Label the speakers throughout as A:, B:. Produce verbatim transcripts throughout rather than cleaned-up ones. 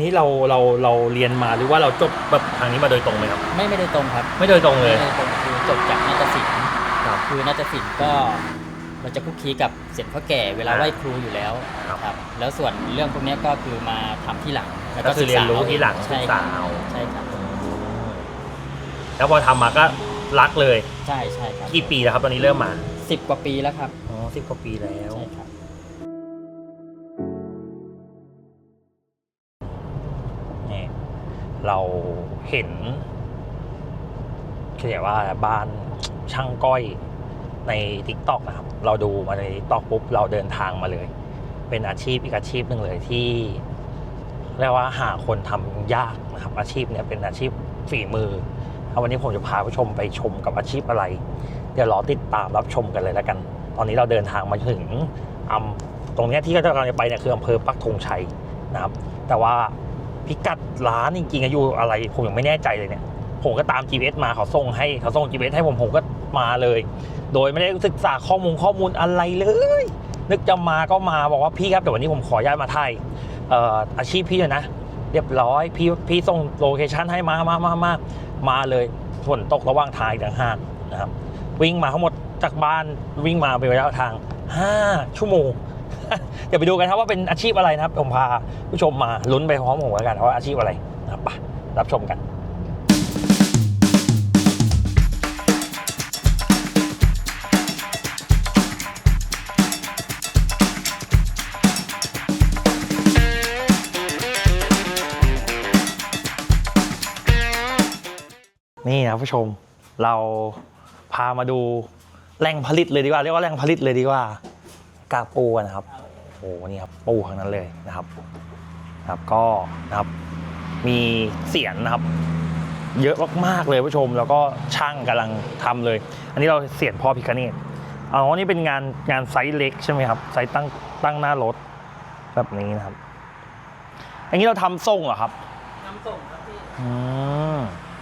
A: นี้เราเราเราเรียนมาหรือว่าเราจบแบบทางนี้มาโดยตรงไหมครับ
B: ไม่ไม่ได้ตรงครับ
A: ไม่โดยตรงเลย
B: ไม่ได้ตรงคือจบจากนาฏศิลป์
A: ครับ
B: คือนาฏศิลป์ก็เราจะคุกคีกับเสียงพ่อแก่เวลาไหว้ครูอยู่แล้วครับแล้วส่วนเรื่องพวกนี้ก็คือมาทำที่หลัง
A: แล้วก็คือเรียนรู้ที่หลังศึกษาเอา
B: ใช่ครับ
A: แล้วพอทำมาก็รักเลย
B: ใช่ใช่ครับ
A: กี่ปีแล้วครับตอนนี้เริ่มมา
B: สิบกว่าปีแล้วครับ
A: อ๋อสิบกว่าปีแล้ว
B: ใช่ครับ
A: นี่เราเห็นเรียกว่าบ้านช่างก้อยใน ติ๊กต็อก นะครับเราดูมาใน ติ๊กต็อก ปุ๊บเราเดินทางมาเลยเป็นอาชีพอีกอาชีพหนึ่งเลยที่เรียกว่าหาคนทำยากนะครับอาชีพนี้เป็นอาชีพฝีมือวันนี้ผมจะพาผู้ชมไปชมกับอาชีพอะไรเดี๋ยวรอติดตามรับชมกันเลยแล้วกันตอนนี้เราเดินทางมาถึงอำตรงนี้ที่เรากำลังจะไปเนี่ยคืออำเภอปักธงชัยนะครับแต่ว่าพิกัดร้านจริงๆอยู่อะไรผมยังไม่แน่ใจเลยเนี่ยผมก็ตาม จี พี เอส มาเขาส่งให้เขาส่ง จี พี เอส ให้ผมผมก็มาเลยโดยไม่ได้ศึกษาข้อมูลข้อมูลอะไรเลยนึกจะมาก็มาบอกว่าพี่ครับแต่วันนี้ผมขอย้ายมาไทยเอ่ออาชีพพี่เลยนะเรียบร้อยพี่พี่ส่งโลเคชั่นให้มามามามามาเลยฝนตกระหว่างทางอีกต่างหากนะครับวิ่งมาทั้งหมดจากบ้านวิ่งมาเป็นระยะทางห้าชั่วโมงเดี๋ยวไปดูกันครับว่าเป็นอาชีพอะไรนะครับผมพาผู้ชมมาลุ้นไปพร้อมผมแล้วกันว่าอาชีพอะไรนะครับไปรับชมกันนี่นะผู้ชมเราพามาดูแหล่งผลิตเลยดีกว่าเรียกว่าแหล่งผลิตเลยดีกว่ากากปูนะครับโอ้นี่ครับปูทั้งนั้นเลยนะครับครับก็นะครับมีเสียนนะครับเยอะมากๆเลยผู้ชมแล้วก็ช่างกำลังทำเลยอันนี้เราเสียนพ่อพิฆเนศอ๋อนี่เป็นงานงานไซส์เล็กใช่ไหมครับไซส์ตั้งตั้งหน้ารถแบบนี้นะครับอันนี้เราทำส่งเหรอครับ
B: ทำส่งครับพี่
A: อืม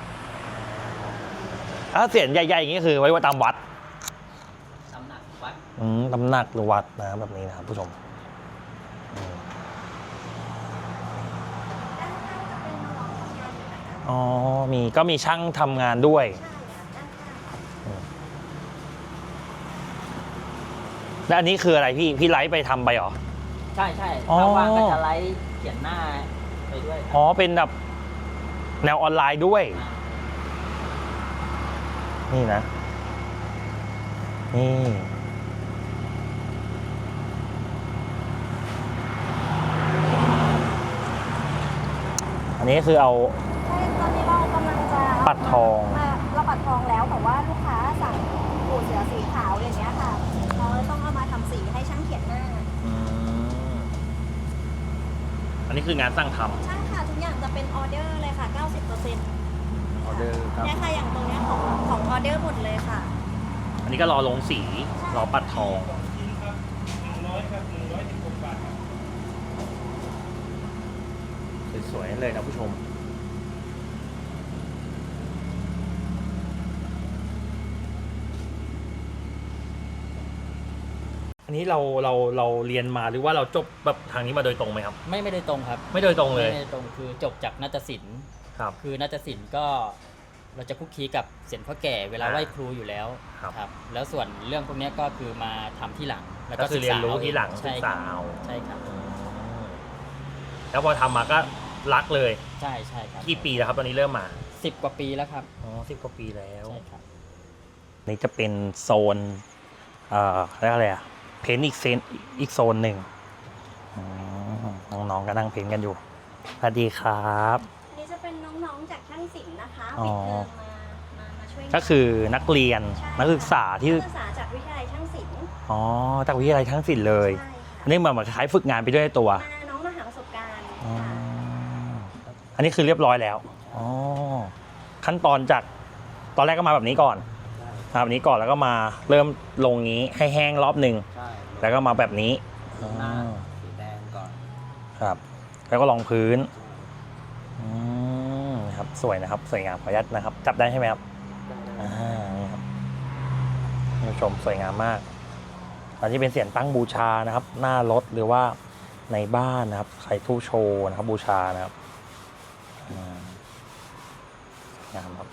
A: ถ้าเสียนใหญ่ๆอย่างนี้คือไว้ว่าตามวัด
B: ตำหนักวัด
A: อืมตำหนักหรือวัดนะแบบนี้นะครับผู้ชมอ๋อมีก็มีช่างทำงานด้วยแล้วอันนี้คืออะไรพี่พี่ไลฟ์ไปทำไปหรอ
B: ใช่ใช่ถ้าว่างก็จะไลฟ์เขียนหน้าไปด้วย
A: อ๋อเป็นแบบแนวออนไลน์ด้วยนี่นะนี่อันนี้คือเอา
C: ใช่ตอนนี้เรากำลังจะ
A: ปัดทอง
C: เราปัดทองแล้วแต่ว่าลูกค้าสั่งปูเสือสีขาวอย่างเงี้ยค่ะเราต้องเอามาทำสีให้ช่างเขียนหน้า
A: อันนี้คืองานสั่งทำ
C: ใช่ค่ะทุกอย่างจะเป็นออเดอร์เลยค่ะ เก้าสิบเปอร์เซ็นต์
A: ออเดอร์ครับ
C: เนี่ยค่ะอย่างตรงเนี้ยของของออเดอร์หมดเลยค่ะ
A: อันนี้ก็รอลงสีรอปัดทองสวยๆเลยนะผู้ชมอันนี้เราเราเราเรียนมาหรือว่าเราจบแบบทางนี้มาโดยตรงไหมครับ
B: ไม่ไม่ได้ตรงครับ
A: ไม่โดยตรงเลย
B: ไม่ได้ตรงคือจบจากนาฏศิลป์
A: ครับ
B: คือนาฏศิลป์ก็เราจะคุกคีกับเสียงพ่อแก่เวลาไหว้ครูอยู่แล้วครับแล้วส่วนเรื่องพวกนี้ก็คือมาทำที่หลัง
A: แล้วก็คือเรียนรู้ที่หลังศึกษาเอา
B: ใช่ครับ
A: แล้วพอทำมาก็รักเลย
B: ใช่ใช่ครับ
A: กี่ปีแล้วครับตอนนี้เริ่มมา
B: สิบกว่าปีแล้วครับ
A: อ๋อสิบกว่าปีแล้ว
B: ใช่ครับ
A: นี่จะเป็นโซนเอ่อเรียกอะไรอะเพ้นอีกเซนอีกโซนหนึ่งน้องๆก็นั่งเพ้นกันอยู่สวัสดีครับ
C: นี่จะเป็นน้องๆจากช่างศิลป์นะคะปิดเทอมมามาช่วย
A: ก็คือนักเรียนนักศึกษาที่
C: นักศึกษาจากวิทยาลัยช่างศิลป์
A: อ๋อจากวิทยาลัยช่างศิลป์เลยอันนี้เหมือนคล้ายฝึกงานไปด้วยตัว
C: น้องมาหาประสบการณ์
A: อันนี้คือเรียบร้อยแล้วอ๋อขั้นตอนจากตอนแรกก็มาแบบนี้ก่อนแบบนี้ก่อนแล้วก็มาเริ่มลงนี้ให้แห้งรอบหนึ่งแล้วก็มาแบบนี้
B: สีแดงก่อน
A: ครับแล้วก็รองพื้นครับสวยนะครับสวยงามขออนุญาตนะครับจับได้ใช่ไหมครับอ่านี่ครับผู้ชมสวยงามมากอันนี้เป็นเสียงตั้งบูชานะครับหน้ารถหรือว่าในบ้านนะครับใส่ตู้โชว์นะครับบูชานะครับอืมงามครับ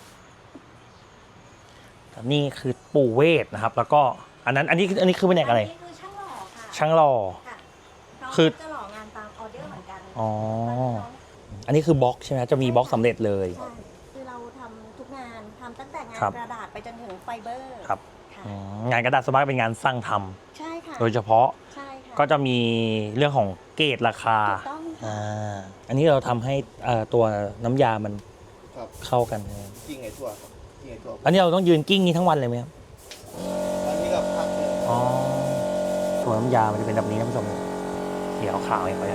A: นี่คือปู่เวทนะครับ แล้วก็อันนั้นอันนี้อันนี้คือแผนกอะไร
C: อันนี้คือช่างหล่อค่ะ
A: ช่างหล่อ
C: ค่ะน้อง
A: คือ
C: จะหล่องานตามออเดอร์เหมือนกัน
A: อ๋อ อันนี้คือบล็อกใช่ไหมจะมีบล็อกสำเร็จเลย
C: ใช่คือเราทำทุกงานทำตั้งแต่งาน
A: ครับ
C: กระดาษไปจนถึงไฟเบอร์
A: ครับ
C: ค่ะ
A: อืมงานกระดาษสวนมากเป็นงานสร้างทำ
C: ใช่ค่ะ
A: โดยเฉพาะ
C: ใช่ค่ะ
A: ก็จะมีเรื่องของเกรดราคา
C: ถูกต้องค่ะ
A: อ่าอันนี้เราทำให้เอ่อตัวน้ำยามัน
D: ครับ
A: เข้ากัน
D: กิ้งไงทั่วครับกิ้งไงทั่ว
A: อันนี้เราต้องยืนกิ้งนี้ทั้งวันเลยไหมครับ
D: อันนี้กับพักเลย
A: อ๋อตัวน้ำยามันจะเป็นแบบนี้นะผู้ชมเขียวขาวอย่างไร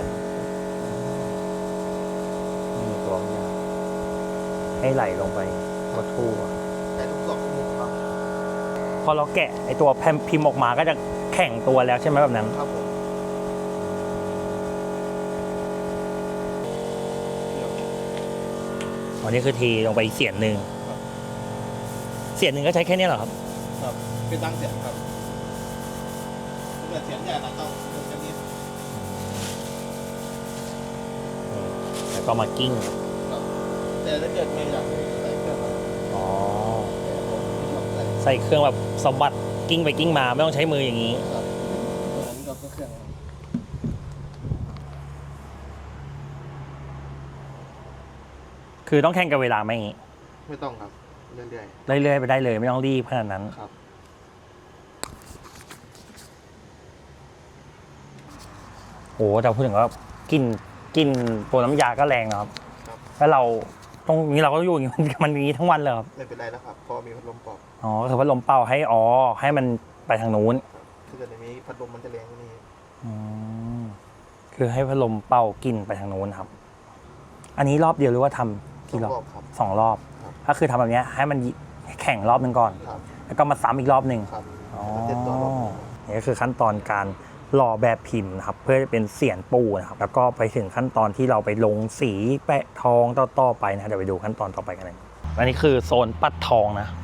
A: นี่ตัวน้ำยาให้ไหลลงไปทั่วทั่ว
D: แต่ทุกสองมุมครับ
A: พอเราแกะไอตัวแผ่นพิมพ์ออกมาก็จะแข็งตัวแล้วใช่ไหมแบบนั้น
D: ครับผม
A: อันนี้คือทีลงไปอีกเสียนหนึ่งเสียนหนึ่งก็ใช้แค่นี้เหรอครับ
D: ครับเป็นตั้งเสียงครับถ้าเกิดเสียงใหญ่เราต้องเดินกันนิด
A: แล้วก็มากิ้ง
D: ครับแต่ถ้าเกิดไม่อยากใส่เครื่องครับ
A: อ๋อ
D: แต่ผมไม่ชอบใส่
A: ใส่เครื่องแบบสะบัดกิ้งไปกิ้งมาไม่ต้องใช้มืออย่างนี้
D: ครับอันนี้ก็เครื่องครับ
A: คือต้องแข่งกับเวลาไหมอย่างนี้
D: ไม่ต้องครับเรื่อย
A: เรื่อยๆไปได้เลยไม่ต้องรีบขนาดนั้น
D: ๆครับ
A: โอ้แต่พูดถึงว่ากินกินตัวน้ำยาก็แรงนะครับ
D: ครับ
A: แล้วเราตรงนี้เราก็อยู่อย่างนี้ มันมันอย่างนี้ทั้งวันเลยครับ
D: ไม่เป็นไรแล้วครับเพราะมีพัดลมปอก
A: อ๋อก็คือพัดลมเป่าให้อ๋อให้มันไปทางนู้น
D: ครับถ้าเกิดในนี้พัดลมมันจะแรงกว่านี้
A: อืมคือให้พัดลมเป่ากินไปทางนู้นครับ อันนี้รอบเดียวหรือว่าทำกี่รอบ
D: รอบครับ
A: สองรอบ
D: ครับ
A: ก็คือทำแบบเนี้ยให้มันแข่งรอบหนึ่งก่อน
D: ครับ
A: แล้วก็มาซ้ำอีกรอบหนึ่ง
D: ครับ
A: อ๋อ
D: แล้วเจ็ดตัวรอบ
A: นี่ก็คือขั้นตอนการหล่อแบบพิมพ์นะครับ เพื่อจะเป็นเสียนปูนะครับ แล้วก็ไปถึงขั้นตอนที่เราไปลงสีแปะทองต่อๆไปนะเดี๋ยวไปดูขั้นตอนต่อไปกันเลยอันนี้คือโซนปัดทองนะ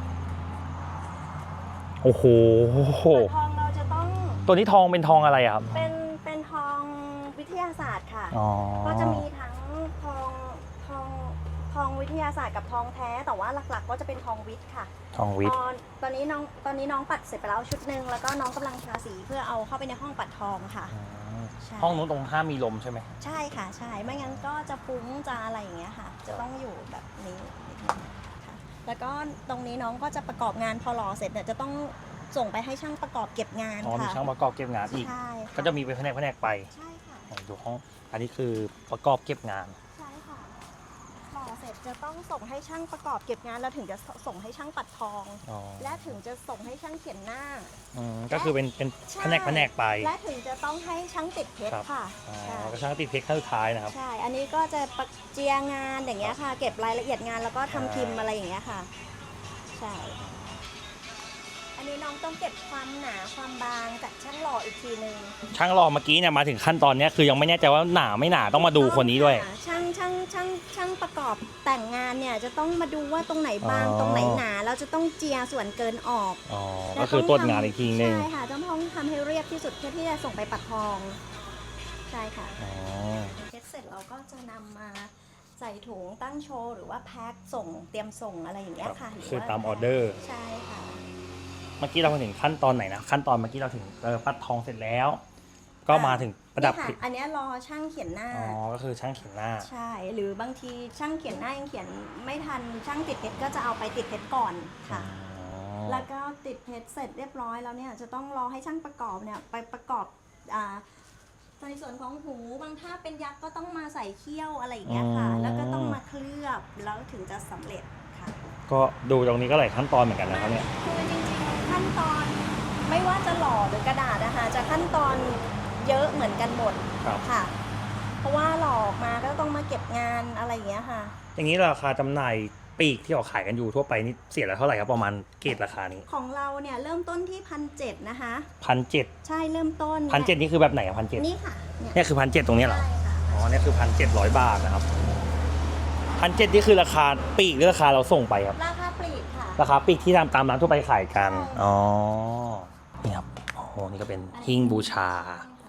A: โอ้โห
C: ทองเราจะต้อง
A: ตัวนี้ทองเป็นทองอะไรอะครับ
C: เป็นเป็นทองวิทยาศาสตร์ค่ะ
A: อ๋อ
C: ก็จะมีทั้งทองทองทองวิทยาศาสตร์กับทองแท้ แต่ว่าหลักๆก็จะเป็นทองวิทย์ค่ะ
A: ทองวิทย์
C: ตอนตอนนี้น้องตอนนี้น้องปัดเสร็จไปแล้วชุดหนึ่งแล้วก็น้องกำลังทาสีเพื่อเอาเข้าไปในห้องปัดทองค่ะ ใช่
A: ห้องนู้นตรงห้ามมีลมใช่ไหม
C: ใช่ค่ะใช่ไม่งั้นก็จะฟุ้งจะอะไรอย่างเงี้ยค่ะ จะต้องอยู่แบบนี้นิดนึงค่ะแล้วก็ตรงนี้น้องก็จะประกอบงานพอหล่อเสร็จเนี่ยจะต้องส่งไปให้ช่างประกอบเก็บงาน
A: อ๋อมี
C: ค่ะ
A: ช่างประกอบเก็บงานอีก
C: ใช่ค่
A: ก็จะมีเป็นแผนกแผนกไป
C: ใช่ค่ะ
A: ดูห้องอันนี้คือประกอบเก็บงาน
C: ใช่ค่ะหล่อเสร็จจะต้องส่งให้ช่างประกอบเก็บงานแล้วถึงจะส่งให้ช่างปัดทอง
A: อ๋อ
C: และถึงจะส่งให้ช่างเขียนหน้า
A: อืมก็คือเป็นเป็น
C: ใช่
A: แผนกแผนกไป
C: และถึงจะต้องให้ช่างติดเพช
A: ครั
C: ร
A: บ
C: ค่ะ
A: อ๋อ
C: ใช่
A: ก็ช่างติดเพชรขั้นสุดท้ายนะครับ
C: ใช่ อันนี้ก็จะประเจียงานอย่างเงี้ยค่ะ เก็บรายละเอียดงานแล้วก็ทำพิมพ์อะไรอย่างเงี้ยค่ะ ใช่ อันนี้น้องต้องเก็บความหนาความบางจากช่างหล่ออีกทีนึง
A: ช่างรอเมื่อกี้เนี่ยมาถึงขั้นตอนเนี้ยคือยังไม่แน่ใจว่าหนาไม่หนาต้องมาดูคนนี้ด้วย
C: ค่ะช่างช่างช่างช่างประกอบแต่งงานเนี่ยจะต้องมาดูว่าตรงไหนบาง
A: อ๋อ
C: ตรงไหนหนาแล้วจะต้องเจียส่วนเกินออก
A: อ๋อก็คือตรวจงานอีกทีนึง
C: ใช่ค่ะต้องต้องทำให้เรียบที่สุดเพื่อที่จะส่งไปปัดทอง ใช่ค่ะ
A: อ๋อ
C: เช็ดเสร็จเราก็จะนำมาใส่ถุงตั้งโชว์หรือว่าแพ็คส่งเตรียมส่งอะไรอย่างเงี้ยค่ะหรื
A: คือ
C: ว่
A: ตามออเดอร์
C: ใช่ค่ะ
A: เมื่อกี้เราถึงขั้นตอนไหนนะขั้นตอนเมื่อกี้เราถึงเออปัดทองเสร็จแล้ว ก็มาถึงประดับ
C: นี่ค่ะอันเนี้ยรอช่างเขียนหน้า
A: อ๋อก็คือช่างเขียนหน้า
C: ใช่ หรือบางทีช่างเขียนหน้ายังเขียนไม่ทันช่างติดเพชรก็จะเอาไปติดเพชรก่อนค่ะ
A: อ๋อ
C: แล้วก็ติดเพชรเสร็จเรียบร้อยแล้วเนี่ยจะต้องรอให้ช่างประกอบเนี่ยไปประกอบอ่าในส่วนของหูบางถ้าเป็นยักษ์ก็ต้องมาใส่เขี้ยวอะไรอย่างเงี้ยค่ะ แล้วก็ต้องมาเคลือบแล้วถึงจะสำเร็จค่ะ
A: ก็ดูตรงนี้ก็หลายขั้นตอนเหมือนกันนะครับเนี่ย
C: คือจริงๆขั้นตอนไม่ว่าจะหล่อหรือกระดาษนะคะจะขั้นตอนเยอะเหมือนกันหมด
A: ครับ
C: ค่ะ เพราะว่าหล่อออกมาก็ต้องมาเก็บงานอะไรอย่างเงี้ยค่ะ
A: อย่างนี้ราคาจำหน่ายปีกที่ออกขายกันอยู่ทั่วไปนี่เสียละเท่าไหร่ครับประมาณเกรดราคานี้
C: ของเราเนี่ยเริ่มต้นที่พันเจ็ดนะคะ
A: พันเจ็ด
C: ใช่เริ่มต้น
A: พันเจ็ดนี่คือแบบไหนอะพันเจ็ด
C: นี่ค่ะเนี่ย
A: เนี่ยคือพันเจ็ดตรงเนี้ยเหรอ
C: ใช่ค่ะ
A: อ๋อเนี่ยคือพันเจ็ดร้อยบาทนะครับพันเจ็ดนี่คือราคาปีกหรือราคาเราส่งไปครับ
C: ราคาปลีกค่ะ
A: ราคาปีกที่ตามตามร้านทั่วไปขายกัน
C: ใช่
A: อ๋อ นี่ครับ โอ้โห นี่ก็เป็นหิ้งบูชา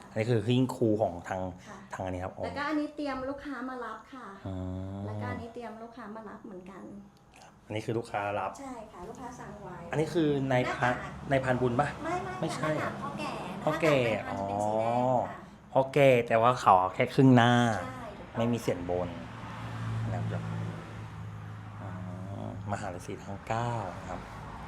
A: อันนี้คือหิ้งครูของทาง
C: ค่ะ
A: ทางอันนี้ครับอ๋อ
C: แล้วก็อันนี้เตรียมลูกค้ามารับค่ะ
A: อืม
C: แล้วก็อันนี้เตรียมลูกค้ามารับเหมือนกัน
A: อันนี้คือลูกค้ารับ
C: ใช่ค่ะลูกค้าสั่งไว้
A: อันนี้คือในพันในพันบุญปะ
C: ไม่ไม่
A: ไม่ใช่
C: ค่ะหน้าต่างพ่อแก่
A: พ่อแก่
C: หน้าต่างเป็นพันธุ์เป็นสีแดง
A: อ๋อ
C: ค่ะ
A: เพราะแก่แต่ว่าเขาเอาแค่ครึ่งหน้า
C: ใช่ถูกต้อง
A: ไม่มีเสียนบนนะครับอ๋อมหาฤาษีทั้งเก้านะครับ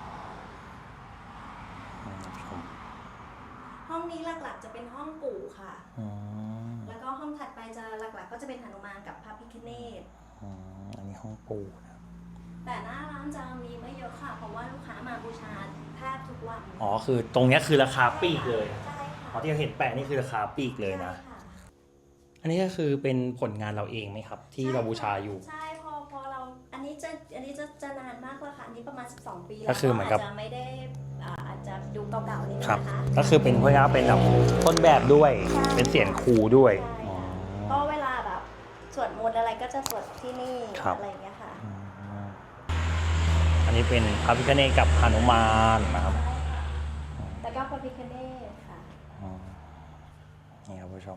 A: อืมชม
C: ห้องนี้หลักๆจะเป็นห้องปู่ค่ะ
A: อืม
C: แล้วก็ห้องถัดไปจะหลักๆ ก็จะเป็นหนุมานกับพระพิฆเนศ
A: อืมอันนี้ห้องปูนะครับ
C: แต่หน้าร้านจะมีไม่เยอะค่ะ เพราะว่าลูกค้ามาบูชาแทบทุกวัน
A: อ๋อคือตรงเนี้ยคือราคาปลีกเลย
C: ใช่ค่ะ
A: อ๋อที่เราเห็นแปะนี่คือราคาปลีกเลยนะ
C: ใช่ค่ะ
A: อันนี้ก็คือเป็นผลงานเราเองไหมครับ ที่เราบูชาอยู่
C: ใช่พอพอเราอันนี้จะอันนี้จะจะนานมากแล้วค่ะอันนี้ประมาณสิบสองปีแล้ว
A: ก็คือเหมือนกับ
C: าจจะไม่ได้อ่าอาจจะดูเก่าๆนิดนึง
A: ครับ
C: นะคะ
A: ก็คือเป็นเพื่อเป็นแบบต้นแบบด้วย
C: ใช่
A: เป็นเสียงครูด้วย
C: ใช่
A: อ๋อ
C: ก็เวลาแบบสวดมนต์อะไรก็จะสวดที่นี่
A: ครับ
C: อะไรอย่างเงี้ยค่ะ
A: อืมอันนี้เป็นพระพิฆเนศกับหนุมานนะครับ
C: แล้วก็พระพิฆเนศค่ะ
A: อืมนี่ครับผู้ชม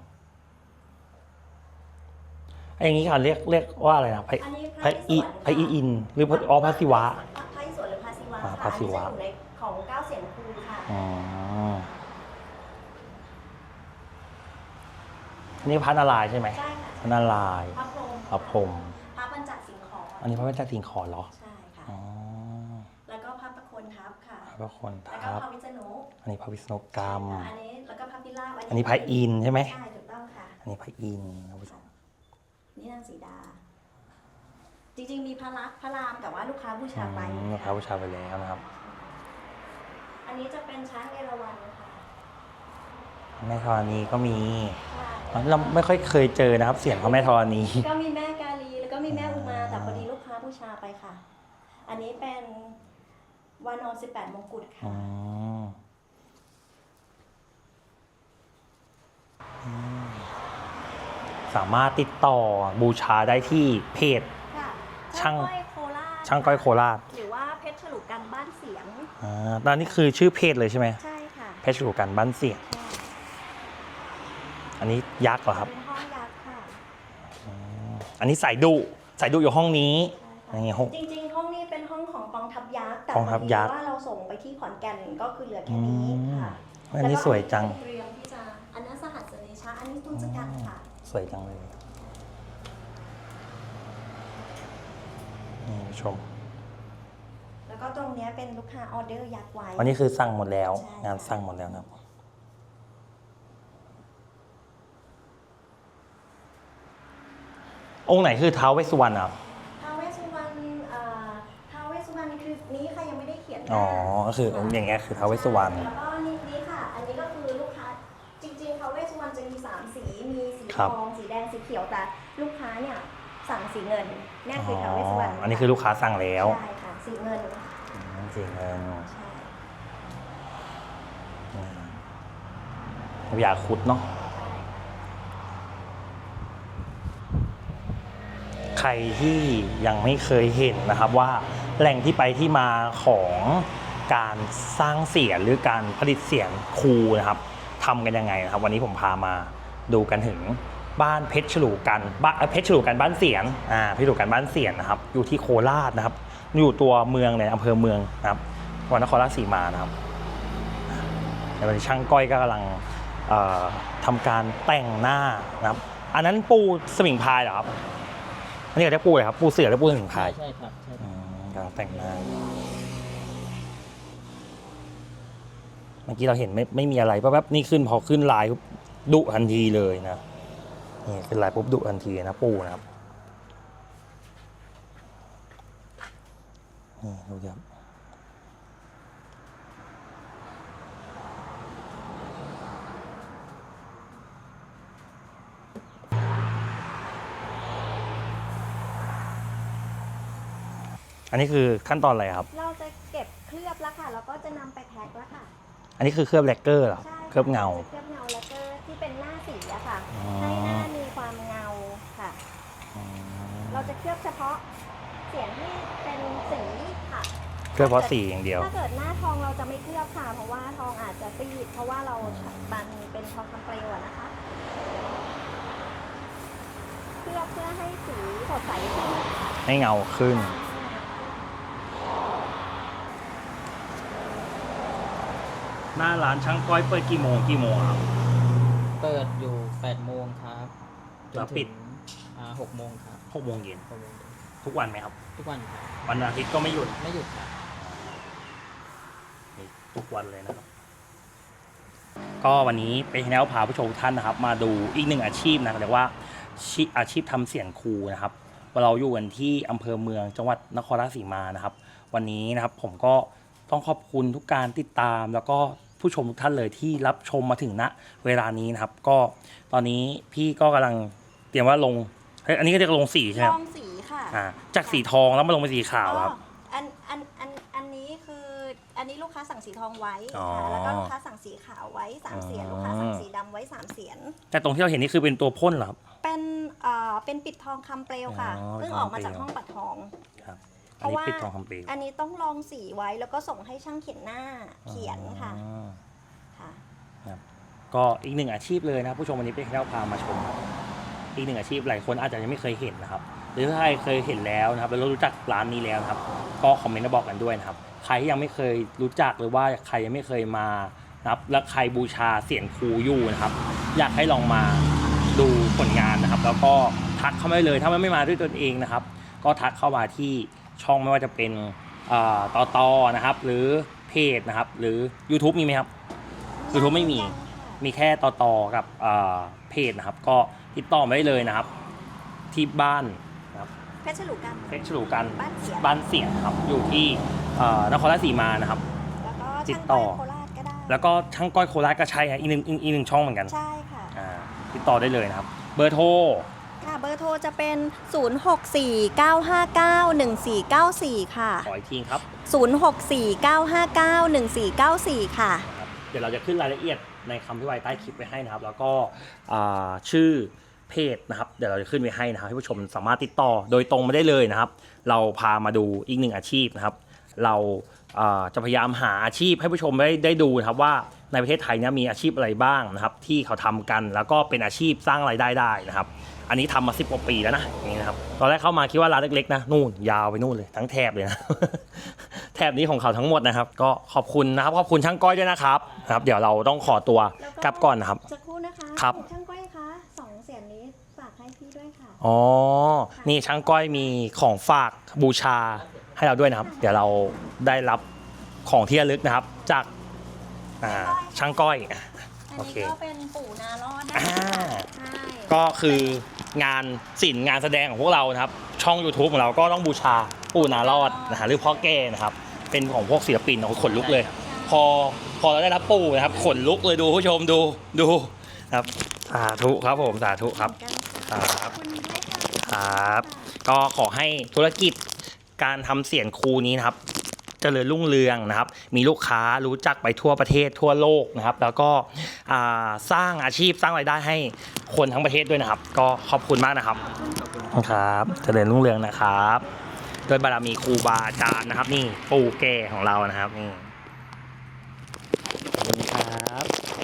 A: ไอ้อย่างนี้ค่ะเรียกเรียกว่าอะไรนะพระ
C: อันนี้
A: พ
C: พ
A: ระ
C: ระ
A: อิ
C: อิศวร
A: พระอินทร์หรือพระอ๋อพระศิวะ
C: พระอิศวรหรือพระศิวะ
A: อ่า
C: ค่ะ
A: พระศิวะ
C: อันนี้จะอยู่ในของเก้าเสียงครูค่ะ
A: อ๋ออันนี้พระนารายณ์ใช่ไหม
C: ใช่ค่ะ
A: พระนารายณ์
C: พระพรหม
A: พระพรหม
C: พระปัญจสิงห์ขอ
A: อันนี้พระเจ้าสิงห์ขอเหรอ
C: ใช่ค่ะ
A: อ๋อ
C: แล้วก็พระประโคนทัพค่ะ
A: พระคน
C: แล้วก็
A: ทับ
C: พระวิษณุ
A: อันนี้พระวิษณุกรรม
C: อันนี้แล้วก็พระพิราบ
A: อันนี้พระอินทร์ใช่ไหม
C: ใช่ถูกต้องค่ะ
A: อันนี้พระอินทร์ครับผู้ชม
C: นี่นางสีดา จริงๆมีพระลักษมณ์พระรามแต่ว่าลูกค้าบูชาไป
A: อืมพระบูชาไปแล้วนะครับ
C: อันนี้จะเป็นช้างเอราวัณค่ะ
A: แม่ธรณีก็มี
C: ใช่
A: เราไม่ค่อยเคยเจอนะครับ เสียงของแม่ธรณี
C: ก็มีแม่กาลีแล้วก็มีแม่อุมาแต่พอดีลูกค้าบูชาไปค่ะ อันนี้เป็นวานอนสิบแปดมงกุฎ
A: อื
C: ค่ะ
A: มอืมสามารถติดต่อบูชาได้ที่เพจ
C: ค่ะ
A: ช่าง
C: ก้อยโคราช
A: ช่างก้อยโคราช
C: หรือว่าเพชรฉลุกันบ้านเสียง
A: อ่าตอนนี้คือชื่อเพจเลยใช่ไหม
C: ใช่ค่ะ
A: เพชรฉลูกันบ้านเสียง
C: ใช่
A: อันนี้ยักษ์เหรอครับ
C: เป็นห้องยักษ์ค่ะ
A: อืมอันนี้สายดุสายดุอยู่ห้องนี้
C: ใช่ค่ะ
A: นี่ห้อง
C: จริงๆ ห้องนี้เป็นห้องของกองทัพยักษ์แต่
A: กองทัพยักษ์
C: พอดีว่าเราส่งไปที่ขอนแก่นก็คือเหลือแค่นี้ค่ะ
A: อันนี้สวยจัง
C: แล้วก็เตรียมที่จะอันนั้นสหัสเนชะอันนี้ตุนสกัดค่ะ
A: สวยจังเลยนี่ผู้ชม
C: แล้วก็ตรงเนี้ยเป็นลูกค้าออเดอร์ยักษ์ไว้
A: วันนี้คือสั่งหมดแล้ว
C: ใช่
A: งานสั่งหมดแล้วนะครับ องค์ไหนคือท้าวเวสสุวรรณครับ
C: ท้าวเวสสุวรรณเอ่อท้าวเวสสุวรรณคือนี้ค่ะยังไม่ได้เขียนหน้า
A: อ๋อ ก็คือองค์อย่างเงี้ยคือท้าวเวสสุวรรณ
C: แล้วก็นี่นี้ค่ะ อันนี้ก็คือลูกค้าจริงๆท้าวเวสสุวรรณจะมีสามสีมีสี
A: ครั
C: ท
A: บ
C: องสีแดงสีเขียวแต่ลูกค้าเนี่ยสั่งสีเงินเนี่ย
A: อ๋
C: คือท้าวเวสสุวรรณ
A: ออันนี้คือลูกค้าสั่งแล้ว
C: ใช่ค่ะสีเงิน
A: อืมจริงเงิน
C: ใช่
A: พญาครุดเนาะ ใครที่ยังไม่เคยเห็นนะครับว่าแหล่งที่ไปที่มาของการสร้างเสียงหรือการผลิตเสียงครูนะครับทำกันยังไงนะครับ วันนี้ผมพามาดูกันถึงบ้านเพชรฉลูกันบ้านเอ่อเพชรฉลูกันบ้านเสียงอ่าเพชรฉลูกันบ้านเสียงนะครับ อยู่ที่โคราชนะครับ อยู่ตัวเมืองเลยอำเภอเมืองนะครับจังหวัดนครราชสีมานะครับในวันนี้ช่างก้อยก็กำลังเอ่อทำการแต่งหน้านะครับ อันนั้นปูสมิงพรายเหรอครับ อันนี้เขาเรียกปูเลยครับปูเสือหรือปูสมิงพราย
B: ใช่ครับใช่ค
A: อื
B: รับ
A: มกำลังแต่งหน้าเมื่อกี้เราเห็นไม่ไม่มีอะไรแป๊บๆนี่ขึ้นพอขึ้นลายปุ๊บดุทันทีเลยนะนี่ขึ้นลายปุ๊บดุทันทีนะปูนะครับนี่ดูครับอันนี้คือขั้นตอนอะไรครับ
C: เราจะเก็บเคลือบแล้วค่ะแล้วก็จะนำไปแพ็คแล้วค่ะ
A: อันนี้คือเคลือบแลกเกอร์เหรอ
C: ใช่ค่ะ
A: เคลือบเงา
C: จะเคลือบเงาแล้วก็ที่เป็นหน้าสีอะค่ะ
A: อ๋อ
C: ให้หน้ามีความเงาค่ะ
A: อืม
C: เราจะเคลือบเฉพาะเสียงที่เป็นสีค่ะ
A: เคลือบเพราะสีอย่างเดียว
C: ถ้าเกิดหน้าทองเราจะไม่เคลือบค่ะ เพราะว่าทองอาจจะซีดเพราะราะว่าเราบันเป็นทองคำเปลวอะนะคะ เพื่อเพื่อให้สีสดใสขึ้น
A: ให้เงาขึ้น หน้าร้านช่างก้อยเปิดกี่โมงกี่โมงครับ
B: เปิดอยู่แปดโมงครับจน
A: แล้วปิ
B: ถึ
A: ด
B: งอ่าหกโมงครับ
A: หกโมงเย็น
B: หกโมงเย็น
A: ทุกวันไหมครับ
B: ทุกวันครับ
A: วันอาทิตย์ก็ไม่หยุด
B: ไม่หยุดครับ
A: ทุกวันเลยนะครับ ก็วันนี้เป็นแนวพาผู้ชมทุกท่านนะครับ มาดูอีกหนึ่งอาชีพนะเรียกว่าอาชีพทำเสียงครูนะครับเราอยู่กันที่อำเภอเมืองจังหวัดนครราชสีมานะครับ วันนี้นะครับผมก็ต้องขอบคุณทุกการติดตาม แล้วก็ผู้ชมทุกท่านเลยที่รับชมมาถึงณเวลานี้นะครับ ก็ตอนนี้พี่ก็กำลังเตรียมว่าลงเฮ้ยอันนี้ก็เรียกลงสีใช่ไหม
C: ลองสีค่ะ
A: อ่าจากสีทองแล้วมาลงเป็นสีขาวครับ
C: อ๋ออันอันอันอันนี้คืออันนี้ลูกค้าสั่งสีทองไว้
A: อ๋อ
C: ค่ะแล้วก็ลูกค้าสั่งสีขาวไว้สามเสียน
A: อ๋อ
C: ลูกค้าสั่งสีดำไว้สามเสียน
A: แต่ตรงที่เราเห็นนี่คือเป็นตัวพ่นเหรอครับ
C: เป็นเอ่อเป็นปิดทองคำเปลวค่ะ
A: อ๋อ
C: เพิ่งออกมาจากห้องปัดทอง
A: ครับ
C: เพ
A: อัน
C: ราะ
A: นี้
C: ว่า
A: ปิดทองคำเปลว
C: อันนี้ต้องลองสีไว้แล้วก็ส่งให้ช่างเขียนหน้าเขียนค่ะ
A: อ๋อ
C: ค่ะ
A: ก็อีกหนึ่งอาชีพเลยนะผู้ชมวันนี้เป็นแค่พามาชมครับอีกหนึ่งอาชีพหลายคนอาจจะยังไม่เคยเห็นนะครับ หรือถ้าใครเคยเห็นแล้วนะครับแล้วรู้จักร้านนี้แล้วนะครับ ก็คอมเมนต์มาบอกกันด้วยนะครับใครที่ยังไม่เคยรู้จักหรือว่าใครยังไม่เคยมานะครับและใครบูชาเสียงครูอยู่นะครับ อยากให้ลองมาดูผลงานนะครับ แล้วก็ทักเข้ามาได้เลยถ้าไม่มาด้วยตนเองนะครับ ก็ทักเข้ามาที่ช่องไม่ว่าจะเป็นต่อต่อนะครับ หรือเพจนะครับ หรือ YouTube มีไหมครับ YouTube ไม่มี
C: ยังค่ะ
A: มีแค่ต่อต่อกับเพจนะครับ ก็ติดต่อมาได้เลยนะครับ ที่บ้านนะครับ
C: เพชรฉลูกัน
A: เพชรฉลูกัน
C: บ้านเสียง
A: บ้านเสียงครับ อยู่ที่เอ่อนครราชสีมานะครับ
C: แล้วก็
A: ติ
C: ช่า
A: ด
C: ง
A: ต่
C: ก้
A: อ
C: อยโคราชก็ได้
A: แล้วก็ช่างก้อยโคราชก็ใช่ครับอีกหนึ่งอีกอีกหนึ่งช่องเหมือนกัน
C: ใช่ค่ะ
A: อ่าติดต่อได้เลยนะครับ เบอร์โทร
C: ค่ะเบอร์โทรจะเป็น ศูนย์ หก สี่ เก้า ห้า เก้า หนึ่ง สี่ เก้า สี่ ค่ะ
A: ขออีกทีครับ
C: ศูนย์ หก สี่ เก้า ห้า เก้า หนึ่ง สี่ เก้า สี่ ค่ะ
A: นะครับเดี๋ยวเราจะขึ้นรายละเอียดในคำพิไว้ใต้คลิปไว้ให้นะครับ แล้วก็อ่าชื่อเพจนะครับ เดี๋ยวเราจะขึ้นไว้ให้นะครับให้ผู้ชมสามารถติดต่อโดยตรงมาได้เลยนะครับ เราพามาดูอีกหนึ่งอาชีพนะครับ เราอ่าจะพยายามหาอาชีพให้ผู้ชมได้ได้ดูนะครับว่าในประเทศไทยเนี่ยมีอาชีพอะไรบ้างนะครับ ที่เขาทำกันแล้วก็เป็นอาชีพสร้างรายได้ได้นะครับ อันนี้ทำมาสิบกว่าปีแล้วนะอย่างนี้นะครับตอนแรกเข้ามาคิดว่าร้านเล็กๆนะนู่นยาวไปนู่นเลยทั้งแถบเลยนะ แถบนี้ของเขาทั้งหมดนะครับ ก็ขอบคุณนะครับขอบคุณช่างก้อยด้วยนะครับนะครับ เดี๋ยวเราต้องขอตัว
C: แล้วก็
A: กลับก่อนนะครับ
C: จะครู่นะคะ
A: ครับ
C: ช่างก้อยคะสองเสียงนี้ฝากให้พี่ด้วยค่ะ
A: อ๋อนี่ช่างก้อยมีของฝากบูชาให้เราด้วยนะครับ เดี๋ยวเราได้รับของที่ระลึกนะครับ จากอ่าช่างก้อย
C: อัน
A: โอ
C: นี้
A: เค
C: ก็เป็นปู่นารอดนะ
A: อ่า
C: คะใช่
A: ก็คืองานศิลป์งานแสดงของพวกเรานะครับ ช่อง YouTube ของเราก็ต้องบูชาปู่นารอดนะฮะหรือพ่อแก่นะครับ เป็นของพวกศิลปินของขนลุกเลย พอพอเราได้รับปู่นะครับขนลุกเลยดูผู้ชมดูดูครับสาธุครับผมสาธุครับ
C: กันค่ะ
A: ครับ
C: ขอบคุณด้วยค่ะ
A: ครับ ก็ขอให้ธุรกิจการทำเสียงครูนี้นะครับเจริญรุ่งเรืองนะครับ มีลูกค้ารู้จักไปทั่วประเทศทั่วโลกนะครับ แล้วก็อ่าสร้างอาชีพสร้างรายได้ให้คนทั้งประเทศด้วยนะครับ ก็ขอบคุณมากนะครับครับเจริญรุ่งเรืองนะครับโดยบารมีครูบาอาจารย์นะครับ นี่ปู่แก่ของเรานะครับนี่ขอบคุณครับ